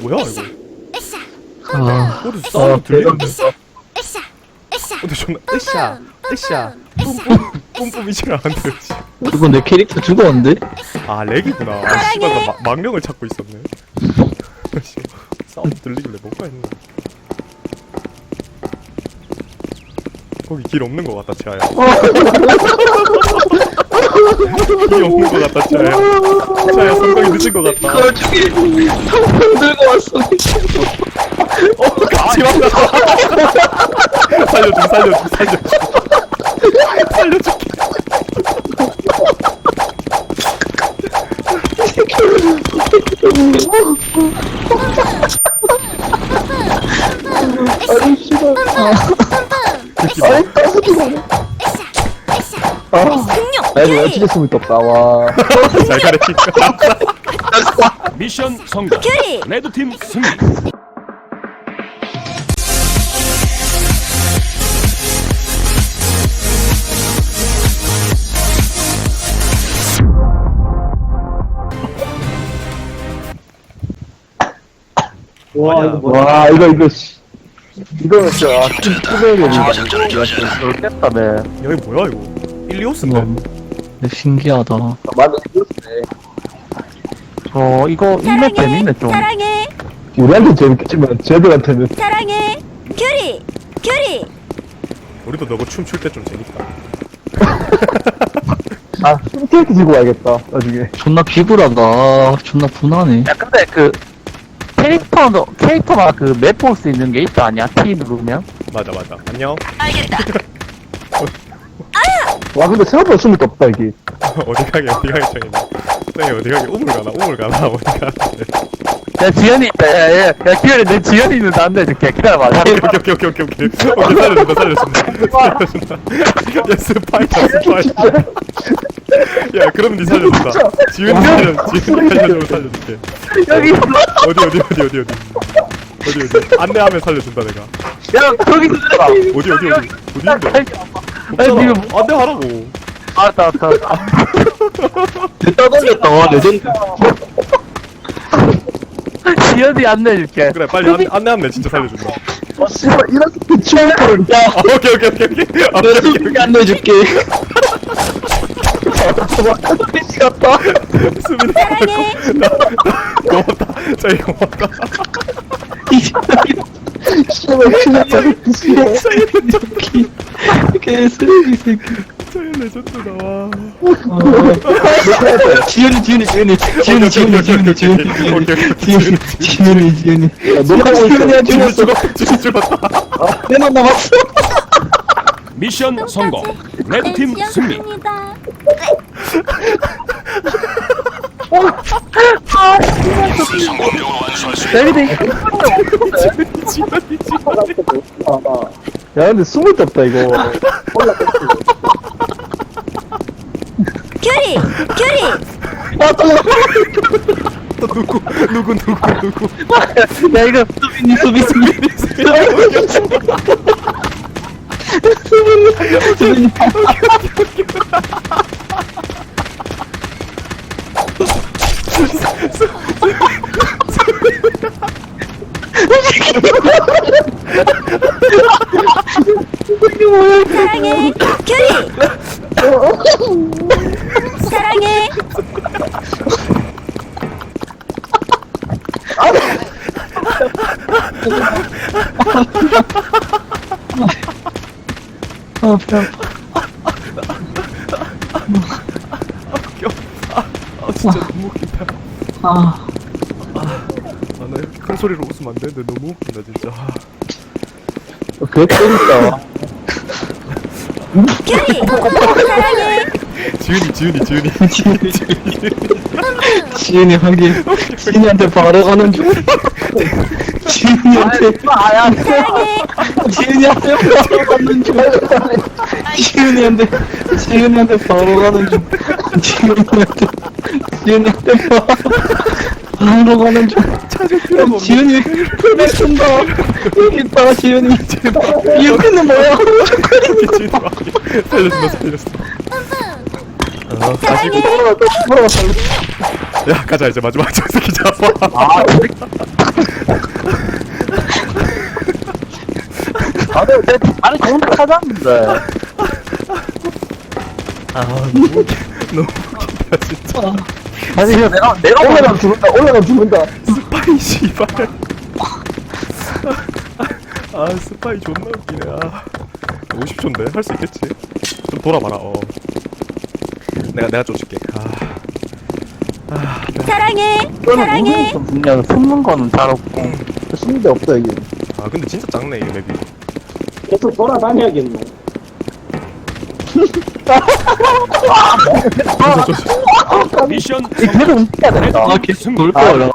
뭐야 이거? 아, 어디서 사운드 들리는데? 으쌰 근데 존나 으쌰 뿜뿜이질 않은데. 그거 내 캐릭터 죽었는데? 아 렉이구나. 아 씨발 나 망령을 찾고 있었네. 사운드 들리길래 뭔가 했네. 거기 길 없는 것 같다 지아야. 길이 없는 것 같다 지아야. 지아야 성공이 늦은 것 같다. 그걸 죽이 들고 왔어. 같이 왔다. 살려줘. 살려줄게. 아니 씨발. 나 이거 어떻게 숨을 떴다 와. 잘 가르치. 미션 성공. 레드팀 승리. 와 이거 씨. 이거는 진짜 투명이야. 깼다네. 여기 뭐야 이거? 일리오스인데? 신기하다. 맞아, 이거네. 이거 이맵 재밌네 좀. 사랑해 우리한테 재밌겠지만 쟤들한테는. 사랑해 큐리 우리도 너가 춤출 때 좀 재밌다. 아, 스케이트 지고 와야겠다, 나중에. 존나 비굴하다. 존나 분하네. 야, 근데 캐릭터가 맵 볼 수 있는 게 있다 아니야? T 누르면? 맞아. 안녕. 알겠다 와, 근데 생각보다 숨을 게 없다, 이게. 어디 가게 정했네. 짱이 어디 가게 우물 가나 어디 가나. 야, 지연이 있다, 야, 기현이, 내 지연이 있는데 안 돼, 이렇게. 기다려봐. 오케이. 살려준다. 야, 스파이다. 야, 그럼 니 살려준다. 지훈이 살려줄게. 여기, 어디. 안내하면 살려준다, 내가. 야, 거기 들어가. 어디인데? 지금 안내하라고. 알았다. 떠돌렸다, 와, 레전드. 지연이 안내해줄게. 그래, 빨리 안내하면 진짜 살려준다. 씨발, 이렇게 추억을. 야, 오케이. 안내해줄게. 미치겠다. 수빈이 고맙다. 짱이 고맙다. 개쓰레기 새끼. 짱이 레전드 나와. 지훈이. 지훈이 죽었다. 내만 남았어. 미션 성공. 레드팀 승리. 야, 근데 숨을 떴다 이거. 큐리 아, 또. 누구? 야, 이거 수빈이. 사랑해 큐리 사랑해 배 아 진짜 너무 웃긴다. 아, 나 이렇게 큰 소리로 웃으면 안 되는데 너무 웃긴다 진짜. 그거 재밌다. 큐리 사랑해 지훈이. 지은이 하긴 지은이한테 바로 가는 중. 지은이한테 바로 가는 중. 지은이한테 바로 가는 중. 지은이한테 바로 가는 중. 지은이 풀을 쓴다. 여기 있다 지은이. 여기는 뭐야? 살렸어. 다시 사랑해 야 가자 이제 마지막 저 새끼 잡아. 아니 좋은 데 찾았는데. 아 너무 너무 웃긴다 진짜. 아니 그냥 내가 올라가면 죽는다. 올라가면 죽는다. 스파이 씨발. 아 스파이 존나 웃기네. 아 50초인데 할 수 있겠지? 좀 돌아봐라. 내가 쫓을게. 사랑해. 이거는 사랑해. 우승이 좀 중요하고 숨는 거는 잘 없고 숨는 데 없어 여기. 아 근데 진짜 작네 이 맵이. 계속 돌아다녀야겠네. 미션 계속 움직여야 된다. 레드팀 승리. 돌 거야.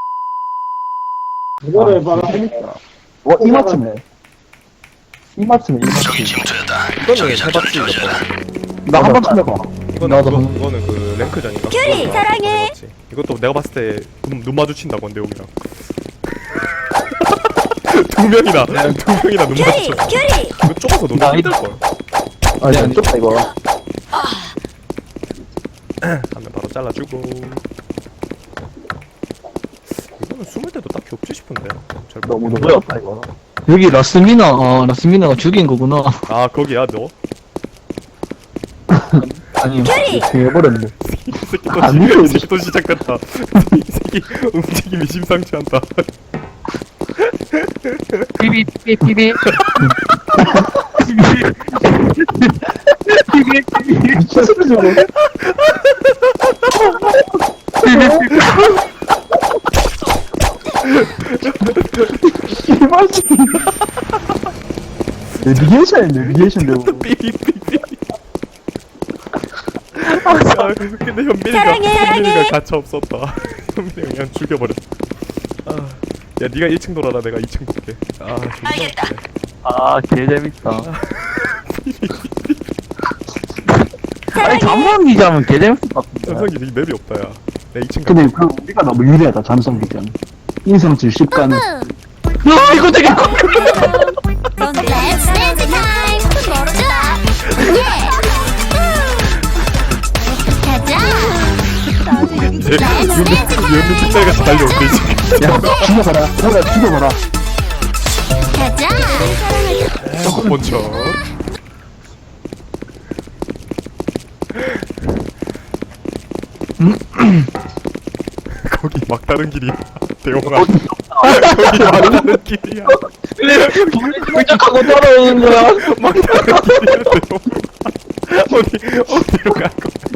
이거를 해봐라. 와, 이 맞춤에. 이 맞춤에. 이거는 해봤지 이거. 나 한 번 쳐내봐. 이거는 그 랭크전인가? 큐리, 그거 사랑해. 해봤지. 이것도 내가 봤을 때 눈 마주친다고 내용이랑. 두 명이나 눈 큐리. 마주쳐. 큐리. 이거 좁아서 너무 힘들 걸. 아니, 안 좁다, 이거. 하면 바로 잘라주고. 이거는 숨을 때도 딱히 없지 싶은데. 잘 너무 모르겠네. 넓었다, 이거. 여기 라스미나가 죽인 거구나. 아 거기야 너? 아니, 큐리! 해버렸네. 이 새끼 안 믿어, 이 새끼 또 시작됐다. 이 새끼 움직임이 심상치 않다. 피비. 미쳤어, 저거. 내비게이션 되고. 삐삐삐삐. 야, 근데 현민이가 가차 없었다. 현민이가 그냥 죽여버렸어. 야 네가 1층 돌아라 내가 2층 볼게. 존나 웃기네. 아, 개 재밌다. 사랑해. 아니, 잠만 기자면 개 재밌을 것 같은데. 전성기 이 맵이 없다 야. 내가 2층 근데 그 우리가 너무 유리하다 잠성 기전 인성 70가는 아, 이거 되게 넌 댄스 댄스 타임. 멀었다. 예. 가자. 이제 연민 특별같이 달려오고 있지. 야 죽여봐라 죽여봐라 가자. 본쳐. 거기 막다른 길이야. 대용아. 거기 막다른 길이야. 하고 따라오는 거야. 막다른 길이야 대용아. 어디로 갈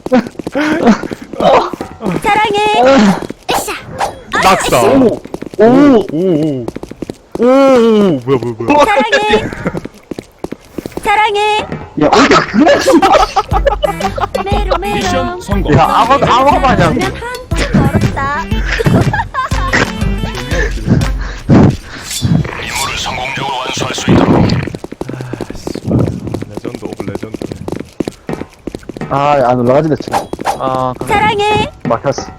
거야? 사랑해. 으쌰. 낙사. 오! 오 뭐야. 사랑해. 사랑해. 야 어디가 메로 메로. 미션 성공. 야, 아마 마냥. 그러면 한참 멀었다. 임무를 성공적으로 완수할 수 있도록. 레전드 오브 레전드. 아안 올라가지 대체 아, 사랑해. 막혔어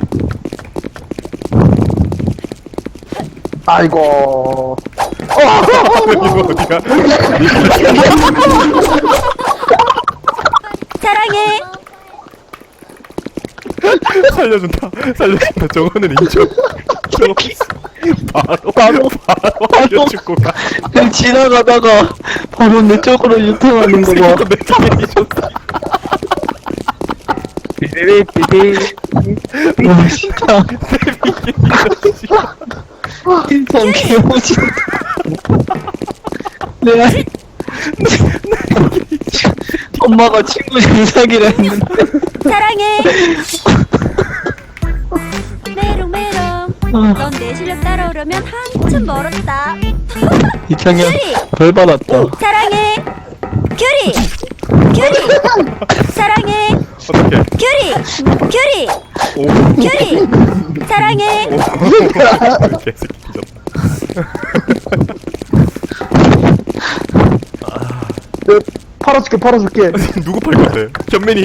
아이고 이거 어디가? 사랑해. 살려준다. 저거는 인정. 저거 바로 알려주고 가. 그냥 지나가다가 바로 내 쪽으로 유턴하는 거 봐. 내 쪽에 있었다. 비비. 와, 진짜. 인상 개오지. 내가 엄마가 친구 장사기라 했는데. 사랑해. 메롱 메롱. 넌 내 실력 따라오려면 한참 멀었다. 이창현 큐리. 벌 받았다. 사랑해. 큐리. 사랑해. 어떻게? 큐리. 오. 큐리. 사랑해. 개새끼 뒤졌다. 팔아줄게 누구 팔 건데? 현민이.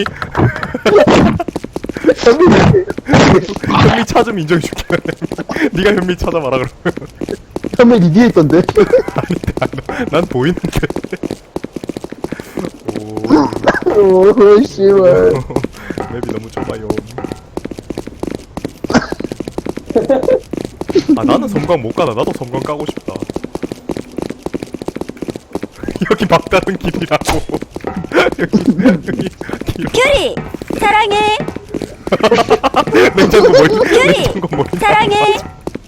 현민 차 좀 인정해줄게. 네가 현민 찾아봐라 그러면. 현민 니 뒤에 있던데 난 보이는데. 오 씨발 맵이 너무 좁아요. 나는 섬광 못 가다. 나도 섬광 까고 싶다. 여기 막다른 길이라고. 여기 길. 큐리 사랑해. 냉장고 머리. 큐리 냉장고 머리. 사랑해.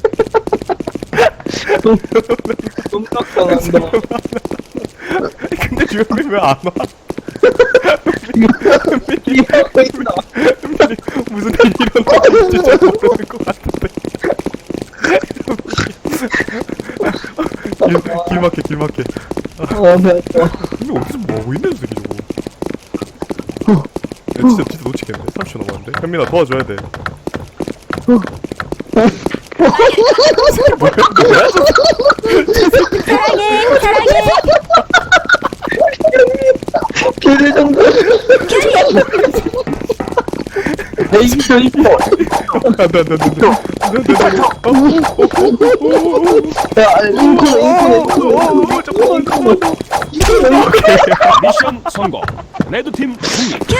깜짝당한다. 근데 주현민 왜안 와? 이러고 있다. 현민이 무슨 일이 일어났는지 잘 모르는 것 같은데. 길 막혀 길 막혀. 배 아파. 근데 어디서 뭐하고 있는 새끼 저거. 야 진짜 놓치겠네. 30초 남았는데. 현민아 도와줘야 돼. 뭐야 저거. 사랑해 사랑해. 걔네 정도. 내 이기죠 이거. 안돼. 야 인코네. 잠깐만. 미션 성공. 레드팀 승리.